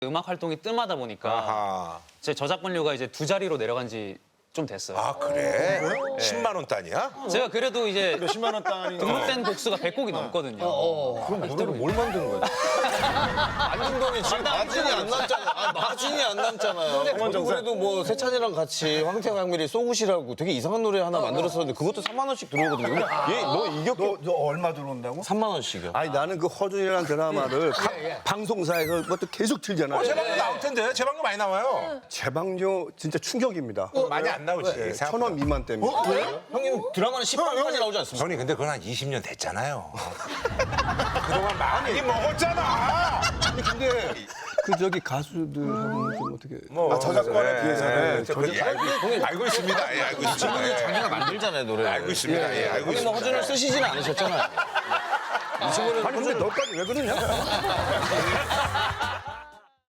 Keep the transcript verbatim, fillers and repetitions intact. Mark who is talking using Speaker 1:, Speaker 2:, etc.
Speaker 1: 음악 활동이 뜸하다 보니까
Speaker 2: 아하.
Speaker 1: 제 저작권료가 이제 두 자리로 내려간 지 좀 됐어요.
Speaker 2: 아 그래? 십만 원 단위야?
Speaker 1: 제가 그래도 이제
Speaker 3: 몇십만 원 단위.
Speaker 1: 등록된 곡수가 백 곡이 넘거든요.
Speaker 3: 그럼 노래를 뭘 만든 거야?
Speaker 4: 만든 돈이 지금 마진이 안 남잖아요. 아, 마진이 안 남잖아요. 저도 그래도 뭐 세찬이랑 같이 황태영 강미리 쏘굿이라고 되게 이상한 노래 하나 만들었었는데 그것도 삼만 원씩 들어오거든요. 근데 얘너 이겼게
Speaker 3: 너, 너 얼마 들어온다고?
Speaker 4: 삼만 원씩이요.
Speaker 5: 아니 나는 그 허준이라는 드라마를 각 방송사에서 그것도 계속 틀잖아요.
Speaker 2: 제 방송 나올 텐데 제 방송 많이 나와요.
Speaker 5: 재방료 진짜 충격입니다.
Speaker 2: 많이 안 나오지.
Speaker 5: 네,
Speaker 2: 생각보다.
Speaker 5: 천 원 미만 때문에.
Speaker 4: 형님 드라마는 십 분까지 나오지 않습니까?
Speaker 2: 형님 근데 그건 한 이십 년 됐잖아요. 그동안 많이 먹었잖아.
Speaker 5: 아니 근데 그 저기 가수들하고는 좀 어떻게?
Speaker 2: 뭐
Speaker 3: 저작권에 비해서는.
Speaker 2: 저 알고, 알고 있습니다. 예, 알고 있습니다. 예.
Speaker 4: 자기가 만들잖아요 노래.
Speaker 2: 알고 있습니다. 예, 알고
Speaker 4: 형님 뭐
Speaker 2: 있습니다.
Speaker 4: 허준을 쓰시지는 않으셨잖아요.
Speaker 5: 아니 근데 너까지 왜 그러냐?